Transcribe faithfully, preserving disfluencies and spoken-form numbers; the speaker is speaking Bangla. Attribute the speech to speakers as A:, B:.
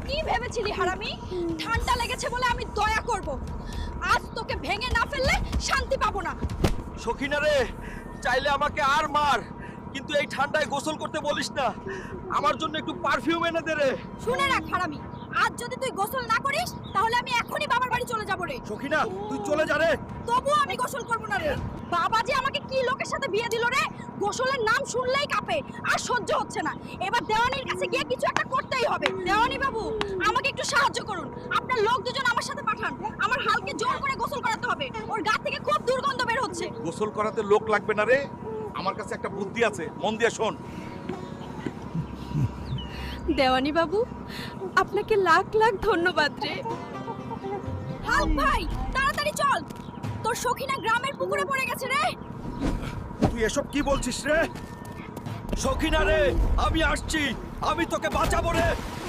A: কি ভেবেছিলি হারামি? ঠান্ডা লেগেছে বলে আমি দয়া করব। আজ তোকে ভেঙে না ফেললে শান্তি পাবো না।
B: সখিনা রে, চাইলে আমাকে আর মার, কিন্তু এই ঠান্ডায় গোসল করতে বলিস না। আমার জন্য একটু পারফিউম এনে দে রে।
A: শুনে রাখ হারামি, আজ যদি তুই গোসল না করিস তাহলে আমি এখনই বাবার বাড়ি চলে যাব রে।
B: সখিনা, তুই চলে যা রে।
A: তবুও আমি গোসল করব না রে। বাবা যে আমাকে কি লোকের সাথে বিয়ে দিল রে, গোসলের নাম শুনলেই কাঁপে, আর সহ্য হচ্ছে না। এবার দেওয়ানির কাছে গিয়ে কিছু একটা করতেই হবে। দেওয়ানি বাবু, আমাকে একটু সাহায্য করুন। আপনার লোক দুজন আমার সাথে পাঠান। আমার হালকে জোর করে গোসল করাতে হবে, ওর গা থেকে খুব দুর্গন্ধ বের হচ্ছে।
B: গোসল করাতে লোক লাগবে না রে, আমার কাছে একটা বুদ্ধি আছে, মন দিয়ে শোন।
A: দেওয়ানি বাবু, আপনাকে লাখ লাখ ধন্যবাদ রে। হাল্ক ভাই, তাড়াতাড়ি চল, তোর সখিনা গ্রামের পুকুরে পড়ে গেছে রে।
B: তুই এসব কি বলছিস রে? সখিনা রে, আমি আসছি, আমি তোকে বাঁচাবো রে।